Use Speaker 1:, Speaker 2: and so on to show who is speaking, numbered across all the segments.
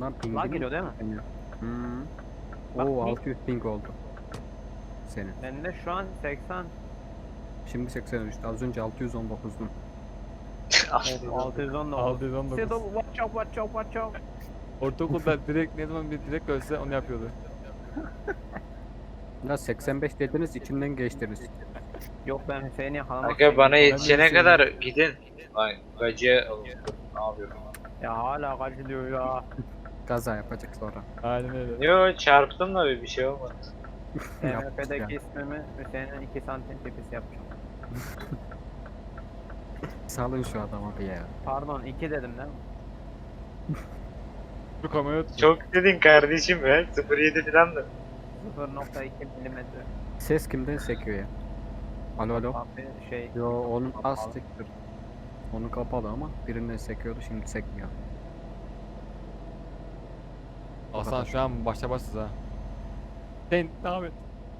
Speaker 1: Lan pingin
Speaker 2: Lag geliyor değil mi?
Speaker 1: Hmm.
Speaker 2: Bak,
Speaker 1: Oo
Speaker 2: ping.
Speaker 1: 600 ping oldu. Senin.
Speaker 2: Bende şu an 80.
Speaker 1: Şimdi 80 düştü. Az önce 619'dum.
Speaker 2: Of, 619.
Speaker 3: 619.
Speaker 2: Sedo watch out watch out watch out.
Speaker 3: Ortaokulda direkt ne zaman bir direkt ölse onu yapıyordu.
Speaker 1: Ya 85 dediniz içinden geçtiniz.
Speaker 2: Yok ben Hüseyin'i yakalamak
Speaker 4: Aga bana
Speaker 2: istedim.
Speaker 4: yetişene
Speaker 3: Hüseyin'im.
Speaker 4: kadar gidin. Lan gacıya alın. Ne yapıyorum?
Speaker 2: Ya hala kaç diyor ya.
Speaker 1: Kaza yapacak sonra.
Speaker 3: Aynen öyle.
Speaker 4: Yo çarptım da bir şey olmadı.
Speaker 1: Yaptık
Speaker 2: TMF'deki
Speaker 1: ya.
Speaker 2: ismimi Hüseyin'in 2 santim tipisi yapacağım.
Speaker 1: Salın şu adama bir ya.
Speaker 2: Pardon 2 dedim değil mi?
Speaker 3: Bu kamerayı tut.
Speaker 4: Çok dedin kardeşim be. 07 falan da.
Speaker 2: 0.2 milimetre.
Speaker 1: Ses kimden sekiyor ya? Alo alo.
Speaker 2: Abi şey.
Speaker 1: Yo onun
Speaker 2: Kapalı.
Speaker 1: astiktir. Onu kapalı ama birinden sekiyordu şimdi sekmiyor.
Speaker 3: Hasan şu an başa başsız ha. Sen ne yapıyorsun?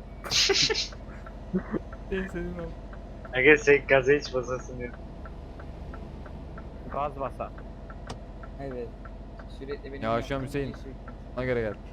Speaker 3: Sen senin ol.
Speaker 4: Aga sen gaza hiç basasın diyor.
Speaker 2: Gaz basa.
Speaker 5: Evet. Sürekli benim
Speaker 3: Yavaş
Speaker 5: yaptığım
Speaker 3: Hüseyin.
Speaker 5: şeyi sürekli-
Speaker 3: Ona göre gel.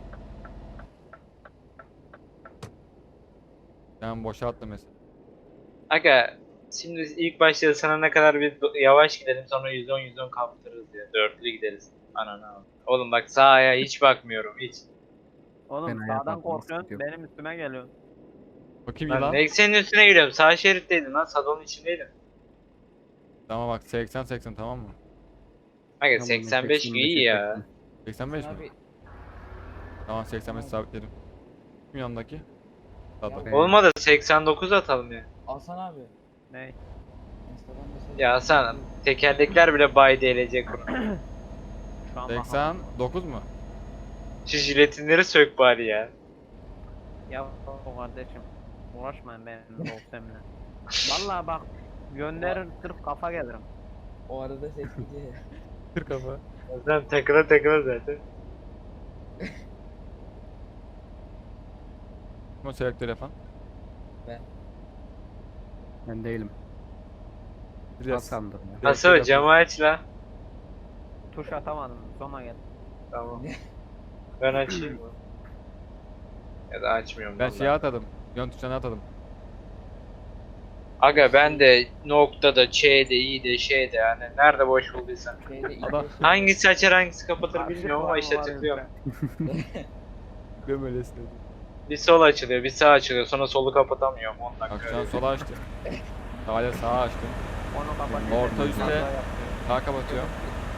Speaker 3: Ben boşa attım mesela.
Speaker 4: Aga şimdi ilk başta sana ne kadar bir yavaş gidelim sonra 110 kaptırırız ya. Dörtlü gideriz. Ananı al. Oğlum bak sağa hiç bakmıyorum hiç.
Speaker 2: Oğlum
Speaker 1: Ben ayağa
Speaker 2: sağdan
Speaker 1: kalkmam
Speaker 2: korkuyorsun
Speaker 1: istiyorum.
Speaker 2: benim üstüme geliyorsun.
Speaker 3: Bakayım
Speaker 4: Lan
Speaker 3: yılan.
Speaker 4: ne senin üstüne geliyorum. Sağ şeritteydin lan. Sadonun içindeydin.
Speaker 3: Tamam bak 80 tamam mı?
Speaker 4: Aga
Speaker 1: Tamam,
Speaker 4: 85 iyi ya.
Speaker 3: 85 mi?
Speaker 5: Abi,
Speaker 3: Tamam 85 sabitledim. Kim yanındaki? Sağda.
Speaker 1: Ben-
Speaker 4: Olmadı 89 atalım ya.
Speaker 5: Hasan abi.
Speaker 2: Ne?
Speaker 5: Instagram mesajı-
Speaker 4: Ya Hasan tekerlekler bile bay DLC kurun.
Speaker 2: Şu an
Speaker 3: 89 mu?
Speaker 4: Şu jiletinleri sök bari ya.
Speaker 2: Ya kardeşim uğraşmayın benim dostumla. Vallahi bak gönderin sırf kafa gelirim.
Speaker 5: O arada ses gidiyor.
Speaker 3: Kır kafa.
Speaker 4: Zaten takıla zaten.
Speaker 3: Kim o selektör yapan?
Speaker 1: Ben değilim.
Speaker 3: Biraz.
Speaker 1: Hasan'dır ya.
Speaker 4: Hasan camı aç la.
Speaker 2: Tuş atamadım sona geldim.
Speaker 4: Tamam. Ben açayım. Ya da açmıyorum
Speaker 3: Ben
Speaker 4: vallahi.
Speaker 3: şeye atadım. Yön tuşuna atadım.
Speaker 4: Aga ben de noktada, Ç'de, İ'de, Ş'de yani nerede boş bulduysan.
Speaker 5: Şeyde ilk
Speaker 3: Adam-
Speaker 5: beş-
Speaker 4: Hangisi açar hangisi kapatır
Speaker 2: Karşı
Speaker 4: bilmiyorum ama
Speaker 2: var
Speaker 4: işte
Speaker 2: mı var
Speaker 4: tıklıyorum.
Speaker 2: yoksa?
Speaker 3: Gömöyle istedi.
Speaker 4: Bir sol açılıyor, bir sağ açılıyor. Sonra solu kapatamıyorum 10
Speaker 3: Bak
Speaker 4: dakika.
Speaker 3: şu an
Speaker 4: öyle.
Speaker 3: sola açtım. Hala sağa açtım.
Speaker 2: Onu kapatayım.
Speaker 3: Orta üstte-
Speaker 2: Hata yapıyorum.
Speaker 3: Sağa kapatıyorum.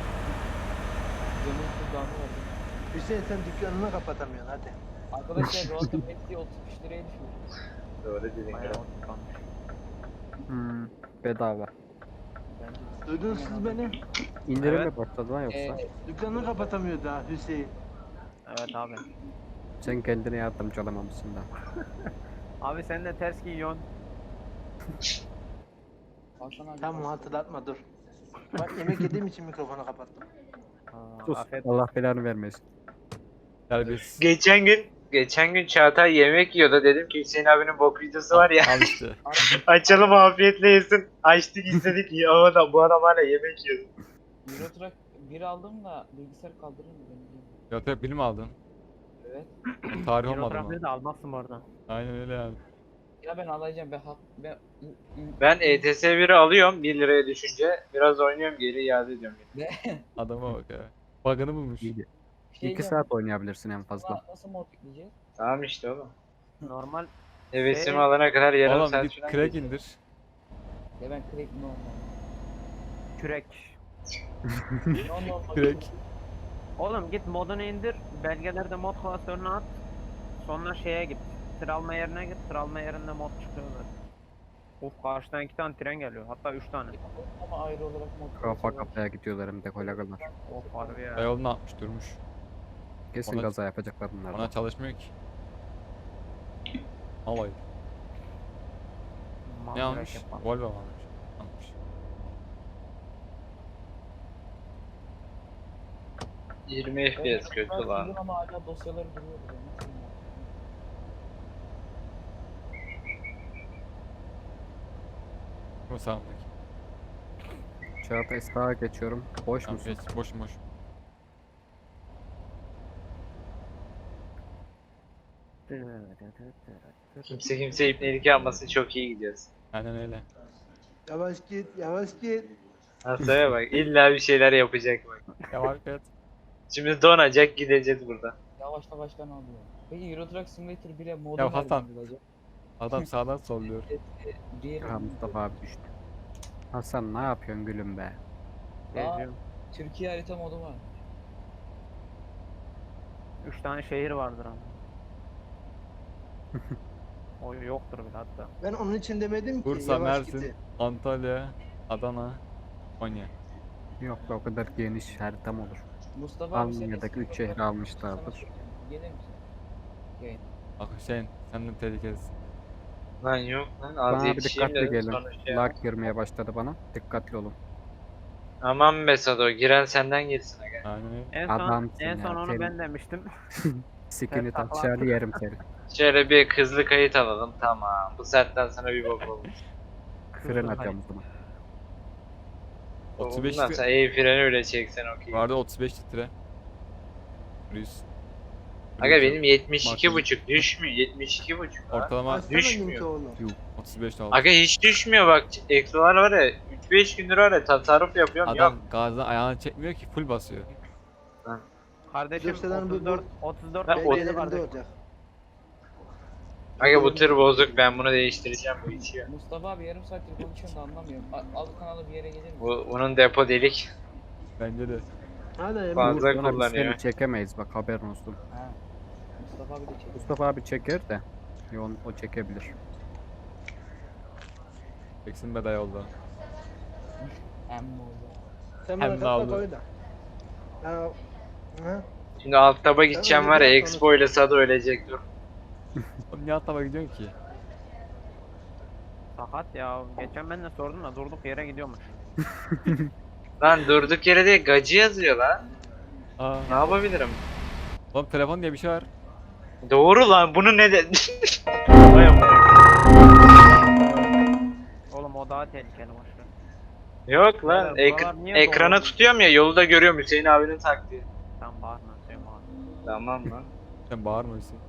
Speaker 5: Camın kullanma oldu.
Speaker 6: Hüseyin sen dükkanını kapatamıyorsun hadi.
Speaker 5: Arkadaşlar Rotom Messi 35 liraya düşmüş.
Speaker 4: Doğru dedin.
Speaker 2: Bayağı
Speaker 4: kral.
Speaker 2: oturtkanmış.
Speaker 1: Bedava.
Speaker 5: Bence
Speaker 6: Duydunuz siz beni?
Speaker 1: İndirimle
Speaker 2: Evet.
Speaker 1: başladı lan yoksa.
Speaker 6: Dükkanını kapatamıyor daha Hüseyin.
Speaker 2: Evet abi.
Speaker 1: Sen kendine yardımcı olamamışsın da.
Speaker 2: Abi sen de ters giyiyorsun.
Speaker 5: Hasan abi.
Speaker 6: Tamam hatırlatma dur. Bak yemek yediğim için mikrofonu kapattım.
Speaker 1: Sus.
Speaker 2: Afiyet
Speaker 1: Allah belanı vermesin.
Speaker 3: Terbiyesiz.
Speaker 4: Geçen gün Çağatay yemek yiyordu. Dedim ki Hüseyin abinin bok videosu var ya.
Speaker 3: Al işte.
Speaker 4: Açalım afiyetle yesin. Açtık izledik. Ya ama da bu adam hala yemek yiyor.
Speaker 5: Euro Truck 1 aldım da bilgisayar kaldırır mı beni?
Speaker 3: Ya hep bilim aldın.
Speaker 5: Evet.
Speaker 3: Tarih olmadı mı?
Speaker 2: Fotoğrafını da almazsın bu arada.
Speaker 3: Aynen öyle yani.
Speaker 5: Ya ben alacağım
Speaker 4: Ben ETS 1'i alıyorum 1 liraya düşünce. Biraz oynuyorum geri iade ediyorum.
Speaker 3: Adama bak ya. Bug'ını bulmuş.
Speaker 1: İyi.
Speaker 5: şey
Speaker 1: 2 saat oynayabilirsin en fazla.
Speaker 5: Nasıl mod yükleyeceğiz?
Speaker 4: Tamam işte oğlum.
Speaker 2: Normal
Speaker 4: Hevesimi
Speaker 2: Şey-
Speaker 4: alana kadar yarım
Speaker 3: Oğlum
Speaker 4: saat
Speaker 3: git
Speaker 4: falan
Speaker 3: crack
Speaker 4: geçti.
Speaker 3: indir.
Speaker 5: Ya ben crack no
Speaker 2: kürek.
Speaker 5: no.
Speaker 3: Crack.
Speaker 2: Oğlum git modunu indir. Belgelerde mod klasörünü at. Sonra şeye git. Sıralama yerine git. Sıralama yerinde mod çıkıyor zaten. Of karşıdan 2 tane tren geliyor. Hatta 3 tane.
Speaker 5: Ama ayrı olarak mod.
Speaker 1: Kafa kafaya gidiyorlar hem de kolegalar.
Speaker 2: Of harbi ya.
Speaker 3: Yolunu atmış durmuş.
Speaker 1: Kesin
Speaker 3: Ona-
Speaker 1: kaza yapacaklar bunlar.
Speaker 3: Ona çalışmıyor ki. Alayım. Ne
Speaker 2: Mandırak
Speaker 3: almış?
Speaker 2: yapalım.
Speaker 3: Volvo mu almış? Almış.
Speaker 4: 20 FPS kötü lan.
Speaker 5: Ama hala dosyaları duruyor. burada. Nasıl yani?
Speaker 3: Bu sağımdaki.
Speaker 1: Çağatay sağa geçiyorum. Boş
Speaker 3: Tamam
Speaker 1: musun?
Speaker 3: geç. Boşum boş.
Speaker 4: Kimse kimse ipnelik yapmasın, çok iyi gidiyoruz.
Speaker 3: Aynen öyle.
Speaker 6: Yavaş git, yavaş git.
Speaker 4: Hastaneye bak, illa bir şeyler yapacak bak.
Speaker 3: Yavaş et.
Speaker 4: Şimdi donacak, gideceğiz buradan.
Speaker 5: Yavaş yavaştan alıyor. Peki Euro Truck Simulator 1'e modu
Speaker 3: Ya
Speaker 5: nereden
Speaker 3: Hasan.
Speaker 5: bulacak?
Speaker 3: Adam sağdan solluyor.
Speaker 5: Diğer
Speaker 1: Ha, Mustafa abi düştü. Hasan ne yapıyorsun gülüm be?
Speaker 2: Geziyorum.
Speaker 5: Türkiye harita modu var.
Speaker 2: 3 tane şehir vardır ama. O yoktur bile hatta.
Speaker 6: Ben onun için demedim ki.
Speaker 3: Bursa,
Speaker 6: yavaş
Speaker 3: Mersin,
Speaker 6: git.
Speaker 3: Antalya, Adana, Konya.
Speaker 1: Yok be o kadar geniş haritam olur.
Speaker 5: Mustafa abi sen
Speaker 1: Almanya'daki
Speaker 5: eski
Speaker 1: üç şehri
Speaker 5: fotoğraf
Speaker 1: almışlardır.
Speaker 5: sana soracağım. Gelir misin? Yayın.
Speaker 3: Bak Hüseyin sen de tehlikelisin.
Speaker 4: Lan yok lan, az
Speaker 1: Bana bir
Speaker 4: yetişeyim
Speaker 1: dikkatli
Speaker 4: dedim
Speaker 1: gelin.
Speaker 4: sonra şey
Speaker 1: Lag girmeye başladı bana. Dikkatli olun.
Speaker 4: Aman be Sado, giren senden girsin aga.
Speaker 3: Aynen öyle.
Speaker 2: En son
Speaker 1: Adamsın
Speaker 2: en son
Speaker 1: ya,
Speaker 2: onu
Speaker 1: senin-
Speaker 2: ben demiştim.
Speaker 1: Sikini
Speaker 2: takla
Speaker 1: taşar
Speaker 2: attın.
Speaker 1: yerim seni.
Speaker 4: Şöyle bir hızlı kayıt alalım, tamam. Bu saatten sonra bir bok olmuş.
Speaker 1: Fren atıyorum o zaman.
Speaker 3: 35
Speaker 4: Ondan sonra iyi freni öyle çeksen okey.
Speaker 3: Vardı 35 litre. 100.
Speaker 4: Aga benim 72,5 düşmüyor, 72,5 lan.
Speaker 3: Ortalama
Speaker 6: Açsana
Speaker 4: düşmüyor.
Speaker 6: linki oğlum.
Speaker 3: 35 oldu.
Speaker 4: Aga hiç düşmüyor bak, ekstralar var ya, 3-5 gündür var ya tasarruf yapıyorum,
Speaker 3: Adam
Speaker 4: yok.
Speaker 3: gazdan ayağını çekmiyor ki full basıyor.
Speaker 2: Kardeşim
Speaker 6: Gösteren bu-
Speaker 2: 34
Speaker 4: Ha,
Speaker 2: beygirli
Speaker 6: Benim elimde
Speaker 2: kardeşim.
Speaker 6: olacak.
Speaker 4: Aga bu tır bozuk, ben bunu değiştireceğim, bu içiyor.
Speaker 5: Mustafa abi yarım saattir konuşuyorsun da anlamıyorum. Al kanalı bir yere gelir misin?
Speaker 4: Bunun depo delik.
Speaker 3: Bence de.
Speaker 6: Hadi Emre.
Speaker 4: Fazla
Speaker 1: Sonra biz
Speaker 4: kullanıyor.
Speaker 1: seni çekemeyiz bak haberin olsun.
Speaker 5: Ha. Mustafa abi de çekiyor.
Speaker 1: Mustafa abi çeker de. O çekebilir.
Speaker 3: Çeksin be dayı oldu.
Speaker 5: Hem oldu.
Speaker 6: Sen
Speaker 3: Hem
Speaker 6: bana
Speaker 3: de
Speaker 6: katla
Speaker 3: aldı.
Speaker 6: koy da. Ya. Ha?
Speaker 4: Şimdi alt taba gideceğim var ya,
Speaker 6: öyle
Speaker 4: Expo ile Sado ölecek, dur.
Speaker 3: Oğlum niye atama gidiyorsun ki?
Speaker 2: Sakat ya. Geçen ben de sordum da durduk yere gidiyormuş.
Speaker 4: Lan durduk yere değil, gacı yazıyor lan.
Speaker 3: Aa.
Speaker 4: Ne yapabilirim?
Speaker 3: Oğlum telefon diye bir şey var.
Speaker 4: Doğru lan, bunu ne de... Vay amına.
Speaker 2: Oğlum o daha tehlikeli boşver.
Speaker 4: Yok lan,
Speaker 2: Beyler, buralar niye
Speaker 4: ekrana
Speaker 2: doğru?
Speaker 4: tutuyorum ya, yolu da görüyorum Hüseyin abinin taktiği.
Speaker 2: Tam bağırma Hüseyin bağırma.
Speaker 4: Tamam lan.
Speaker 3: Sen bağırma Hüseyin.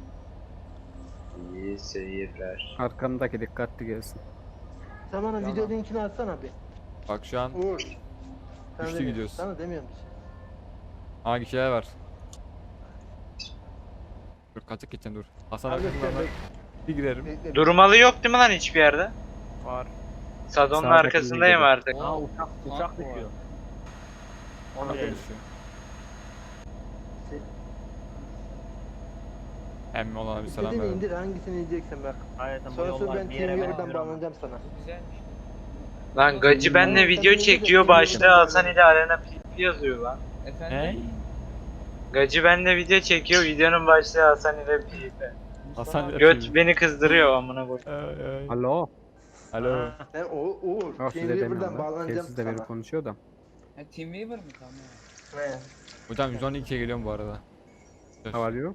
Speaker 4: İyi seyirler.
Speaker 1: Arkamdaki dikkatli gelsin.
Speaker 6: Sen bana video linkini atsana bir.
Speaker 3: Bak şu an
Speaker 6: Uğur. Sen
Speaker 3: Üçlü
Speaker 6: demiyorsun.
Speaker 3: gidiyoruz.
Speaker 6: Sana demiyorum.
Speaker 3: hangi şeyler var? Dur kaçık geçeceğim dur. Hasan
Speaker 6: Abi
Speaker 3: arkasından
Speaker 6: bekle,
Speaker 3: bir girerim.
Speaker 6: bekle.
Speaker 4: Durmalı yok değil mi lan hiçbir yerde?
Speaker 2: Var.
Speaker 4: Sadon'un
Speaker 1: Sağdaki
Speaker 4: arkasındayım
Speaker 1: gibi.
Speaker 4: artık.
Speaker 5: Aa,
Speaker 2: Uçak düşüyor. Onu
Speaker 3: Bakın
Speaker 2: değil.
Speaker 3: şu. Emmi olana bir selam
Speaker 6: İstediğini
Speaker 3: verin.
Speaker 6: indir hangisini ineceksin bak.
Speaker 2: Hayatım bu
Speaker 6: Sonra
Speaker 2: yollar
Speaker 6: ben
Speaker 2: bir yere
Speaker 6: TeamViewer'dan
Speaker 2: benziyor ama.
Speaker 6: bağlanacağım sana.
Speaker 5: Bu güzelmiş.
Speaker 4: Lan gacı benle
Speaker 6: Sen
Speaker 4: video
Speaker 6: yine de
Speaker 4: çekiyor,
Speaker 6: TeamViewer'dan
Speaker 4: başlığı Hasan
Speaker 6: bağlan.
Speaker 4: ile Arena PP yazıyor lan.
Speaker 5: Efendim?
Speaker 3: Ne?
Speaker 4: Gacı benle video çekiyor, videonun başlığı Hasan ile PP.
Speaker 5: Mustafa
Speaker 3: Hasan
Speaker 5: abi,
Speaker 4: Göt beni kızdırıyor amına koy.
Speaker 3: Ay, ay.
Speaker 1: Alo.
Speaker 3: Alo.
Speaker 2: Ha,
Speaker 6: Sen Uğur.
Speaker 1: Yok size
Speaker 6: TeamViewer'dan
Speaker 1: demiyorum lan.
Speaker 6: bağlanacağım
Speaker 1: Telsiz de biri
Speaker 6: sana.
Speaker 1: konuşuyor da.
Speaker 5: Ha, Teamweaver mı? Tamam.
Speaker 6: He.
Speaker 3: Hocam 112'ye geliyorum bu arada. Söz.
Speaker 1: Ne var diyor?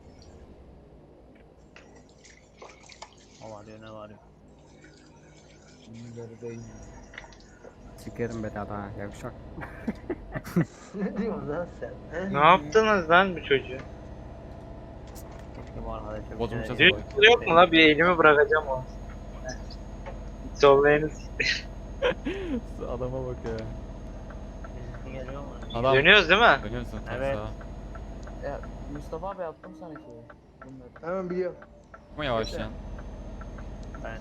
Speaker 2: o var diyor ne var diyor.
Speaker 5: Teamweaver'dayım.
Speaker 1: Sikerim be daha yavşak.
Speaker 6: Ne diyorsun lan sen? He?
Speaker 4: Ne yaptınız lan bu çocuğu?
Speaker 2: Keşke bu arkadaşa bir
Speaker 3: Bozulmuş
Speaker 2: şey-
Speaker 3: Hasan.
Speaker 4: Düz yok mu la, bir elimi bırakacağım o. Sollayınız.
Speaker 3: Adama bak ya.
Speaker 2: Birisi geliyor mu?
Speaker 3: Adam.
Speaker 4: Dönüyoruz değil mi?
Speaker 3: Dönüyorsun sen
Speaker 2: Evet.
Speaker 3: sağa.
Speaker 5: Ya Mustafa abi attım sana şeyi. Bunları.
Speaker 6: Tamam biliyorum.
Speaker 3: Ama yavaşlayan.
Speaker 2: Ben.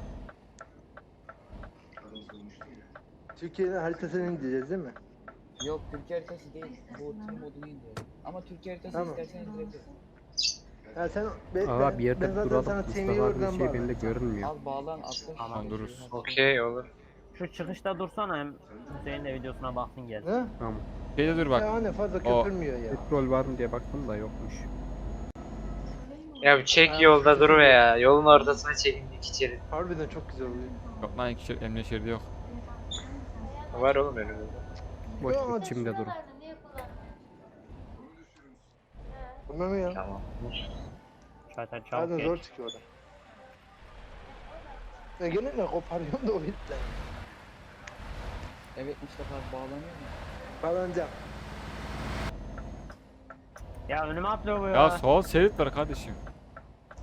Speaker 6: Türkiye'nin haritasını indireceğiz değil mi?
Speaker 5: Yok Türkiye haritası değil. Bu tüm modunu indiriyorum. Ama Türkiye haritası
Speaker 6: Tamam.
Speaker 5: istersen indirebilirim.
Speaker 6: Ya sen
Speaker 1: Aa bir yerde
Speaker 6: zaten
Speaker 1: duralım.
Speaker 6: sana
Speaker 1: Mustafa
Speaker 6: TeamViewer'dan
Speaker 1: abi şey bende
Speaker 6: bağlanacağım.
Speaker 1: görünmüyor.
Speaker 5: Al bağlan attım.
Speaker 3: Tamam, dururuz.
Speaker 4: Okey olur.
Speaker 2: Şu çıkışta dursana hem Hüseyin de videosuna baksın gel.
Speaker 6: Ha?
Speaker 1: Tamam.
Speaker 3: Şeyde dur bak.
Speaker 6: Ya anne fazla
Speaker 3: O-
Speaker 6: köpürmüyor ya.
Speaker 1: Petrol var mı diye baktım da yokmuş.
Speaker 4: Ya bir çek yolda dur be ya. Yolun ortasına çekin iki içeri.
Speaker 6: Harbiden çok güzel oluyor.
Speaker 3: Yok lan emniyet şeridi yok.
Speaker 4: Var oğlum önümüzde.
Speaker 1: Boş
Speaker 6: Ya,
Speaker 1: bir çimde durun.
Speaker 6: Bunlar mı ya?
Speaker 4: Tamam.
Speaker 2: Zaten çabuk
Speaker 6: Harbiden
Speaker 2: geç.
Speaker 6: zor çıkıyor orada. Ya gene ne koparıyorum da o yüzden.
Speaker 5: Evet Mustafa abi bağlanıyor mu?
Speaker 6: Bağlanacağım.
Speaker 2: Ya önüme atlıyor bu ya.
Speaker 3: Ya sol şerit var kardeşim.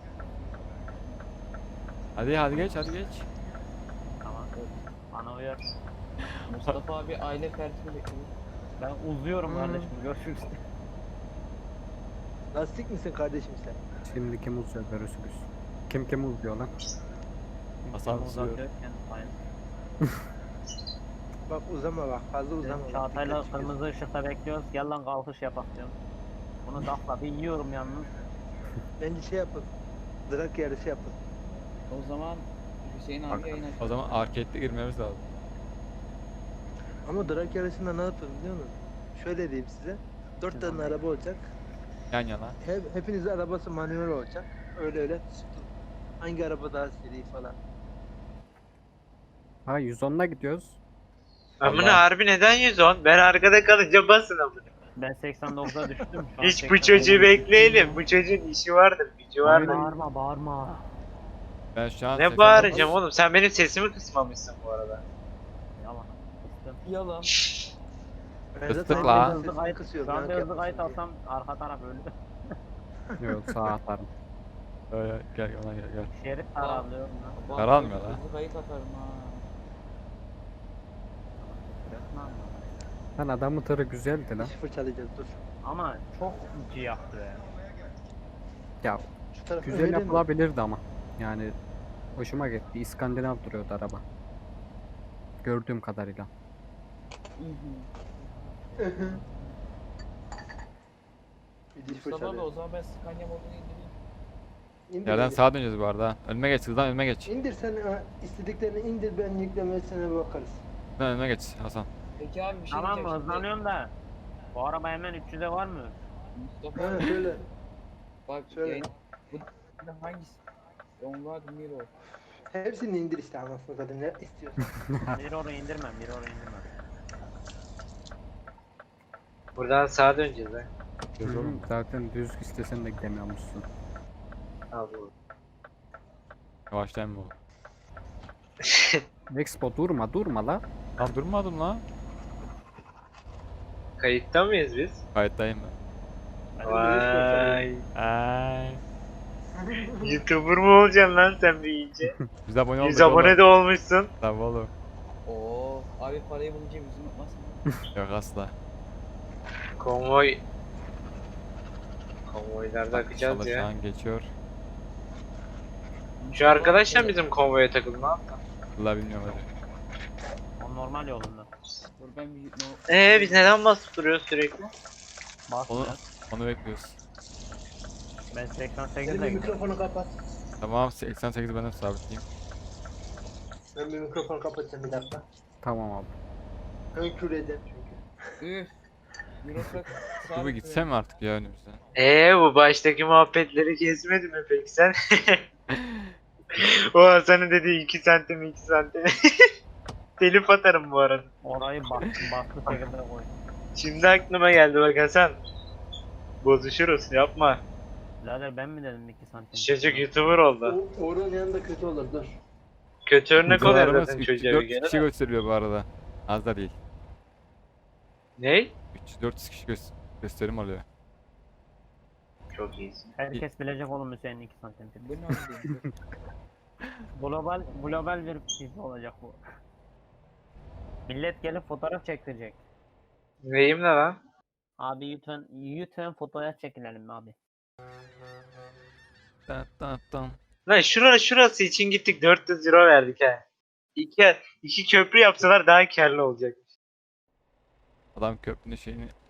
Speaker 3: Hadi geç hadi geç.
Speaker 2: Tamam. Bana uyar.
Speaker 5: Mustafa abi aile fertini bekliyor.
Speaker 2: Ben uzuyorum kardeşim. Görüşürüz.
Speaker 6: Lastik misin kardeşim sen?
Speaker 1: Şimdi kim uzuyor görürsünüz. Kim uzuyor lan?
Speaker 3: Hasan
Speaker 2: Kim
Speaker 3: uzuyor.
Speaker 2: uzatıyorken sayın.
Speaker 6: Bak uzama bak fazla uzama. bak,
Speaker 2: Çağatay'la
Speaker 6: dikkat çıkıyorsun.
Speaker 2: kırmızı ışıkta bekliyoruz. Gel lan kalkış yapak diyorum. Bunu dakla bir yiyorum yalnız.
Speaker 6: Bence şey yapın. Drag yarışı yapın.
Speaker 5: O zaman Hüseyin abi yayın açıyor.
Speaker 3: O zaman arcade'de girmemiz lazım.
Speaker 6: Ama drag yarışında ne yapın biliyor musun? Şöyle diyeyim size. 4 tane araba olacak.
Speaker 3: Yan yana.
Speaker 6: Hepinizin arabası manuel olacak. Öyle hangi araba daha seri falan.
Speaker 1: Ha 110'la gidiyoruz.
Speaker 4: Amına
Speaker 3: Allah.
Speaker 4: harbi neden 110? Ben arkada kalınca basın amına.
Speaker 2: Ben 89'a düştüm. Şu an
Speaker 4: Hiç bu
Speaker 2: 89'a
Speaker 4: çocuğu
Speaker 2: düştüm.
Speaker 4: bekleyelim. Bu çocuğun işi vardır, gücü vardır.
Speaker 2: Bağırma bağırma.
Speaker 3: Ben şu an
Speaker 4: Ne bağıracağım oğlum? Sen benim sesimi kısmamışsın bu arada.
Speaker 2: Yalan. Kıstım.
Speaker 5: Yalan.
Speaker 6: Ben
Speaker 3: Fıstık
Speaker 6: zaten
Speaker 3: la.
Speaker 6: hepinizin
Speaker 2: Hızlı
Speaker 6: sesini
Speaker 2: kayıt.
Speaker 6: kısıyorum,
Speaker 2: Şu anda
Speaker 6: merak
Speaker 2: hızlı kayıt
Speaker 6: yapmasın
Speaker 2: alsam arka taraf öldü.
Speaker 1: Yok sağ atarım.
Speaker 3: Gel ona gel.
Speaker 2: Şerit taraflıyorum lan.
Speaker 5: Bak,
Speaker 3: Karanmıyor lan.
Speaker 5: hızlı kayıt atarım ha.
Speaker 2: Resmen mi?
Speaker 1: Lan adamın tırı güzeldi lan.
Speaker 6: Diş fırçalayacağız dur.
Speaker 2: Ama çok ciyaktı be.
Speaker 1: Ya
Speaker 6: Şu taraf
Speaker 1: güzel
Speaker 6: öyle mi?
Speaker 1: yapılabilirdi ama. Yani hoşuma gitti. İskandinav duruyordu araba. Gördüğüm kadarıyla.
Speaker 6: Bir diş
Speaker 5: Mustafa abi o
Speaker 6: fırçalayalım.
Speaker 5: zaman ben Scania modunu indireyim.
Speaker 6: İndir
Speaker 3: Yerden
Speaker 6: indir.
Speaker 3: sağa döneceğiz bu arada. Ha. Önüme geç hızdan önüme geç.
Speaker 6: İndir sen istediklerini indir ben yüklemesine bakarız.
Speaker 3: Hızdan önüme geç Hasan.
Speaker 5: Peki abi bir şey
Speaker 2: Tamam mı?
Speaker 5: diyeceğim şimdi.
Speaker 2: Hızlanıyorum da. Bu araba hemen 300'e var mı?
Speaker 5: Mustafa
Speaker 6: Ha
Speaker 5: abi
Speaker 6: şöyle.
Speaker 5: bak
Speaker 6: Şöyle.
Speaker 5: yayın. Bu hangisi? Onlar Miro.
Speaker 6: Hepsini indir işte anasını kadın ne istiyorsun.
Speaker 2: Mirror'u indirmem, Mirror'u indirmem.
Speaker 4: Buradan sağa döneceğiz ha.
Speaker 3: Göz oğlum.
Speaker 1: Zaten düz istesen de gidemiyormuşsun.
Speaker 4: Al bu.
Speaker 3: Yavaşlayın mı oğlum?
Speaker 1: Expo durma la.
Speaker 3: Lan durmadım lan.
Speaker 4: Kayıtta mıyız biz?
Speaker 3: Kayıttayım ben.
Speaker 4: Vay.
Speaker 3: Ay.
Speaker 4: YouTuber mu olacaksın lan sen büyüyünce?
Speaker 3: Biz abone olduk
Speaker 4: 100 abone de olmuşsun.
Speaker 3: Tabii oğlum.
Speaker 5: Oo abi parayı bulunca yüzünü unutmasın.
Speaker 3: Yok asla.
Speaker 4: Konvoy. Konvoylarda
Speaker 3: Bak,
Speaker 4: akacağız
Speaker 3: inşallah Şu
Speaker 4: ya.
Speaker 3: an geçiyor.
Speaker 4: Şu arkadaşla bizim konvoya takıldı ne yaptın?
Speaker 3: Vallahi bilmiyorum hadi.
Speaker 2: O normal yolunda.
Speaker 5: Dur ben bir
Speaker 4: Biz neden basıp duruyoruz sürekli?
Speaker 2: Basmıyor.
Speaker 3: Onu bekliyoruz.
Speaker 2: Ben 88'e
Speaker 6: Sen bir
Speaker 2: gidiyorum.
Speaker 6: mikrofonu kapat.
Speaker 3: Tamam 88 ben de sabitleyeyim.
Speaker 6: Ben bir mikrofonu kapatacağım bir dakika.
Speaker 1: Tamam abi.
Speaker 6: Önkür edeceğim çünkü.
Speaker 5: Üf. Eurotruck
Speaker 3: Dur bir gitsem mi artık ya önümüzden?
Speaker 4: Bu baştaki muhabbetleri kesmedi mi peki sen? O Hasan'ın dediği 2 santim 2 santim. Telif atarım bu arada.
Speaker 2: Orayı bastı şekilde koy.
Speaker 4: Şimdi aklıma geldi bak Hasan. Bozuşuruz yapma.
Speaker 2: Zaten ben mi dedim 2 santim?
Speaker 4: Çocuk YouTuber oldu.
Speaker 6: Uğur'un yanında kötü olur dur.
Speaker 4: Kötü örnek oluyor
Speaker 3: Videolarımız
Speaker 4: zaten çocuğa bir
Speaker 3: 304
Speaker 4: kere.
Speaker 3: kişi gösteriyor bu arada. Az da değil.
Speaker 4: Ney?
Speaker 3: 300-400 kişi gösterim oluyor.
Speaker 4: Çok iyisin.
Speaker 2: Herkes bilecek oğlum Hüseyin 2 santim.
Speaker 5: Bu ne oldu?
Speaker 2: Global bir şey olacak bu. Millet gelip fotoğraf çektirecek.
Speaker 4: Neyim ne lan?
Speaker 2: Abi lütfen fotoğraf çekinelim abi.
Speaker 4: Lan şurası için gittik 400 euro verdik ha. İki köprü yapsalar daha karlı olacak.
Speaker 3: Adam köprünün şeyini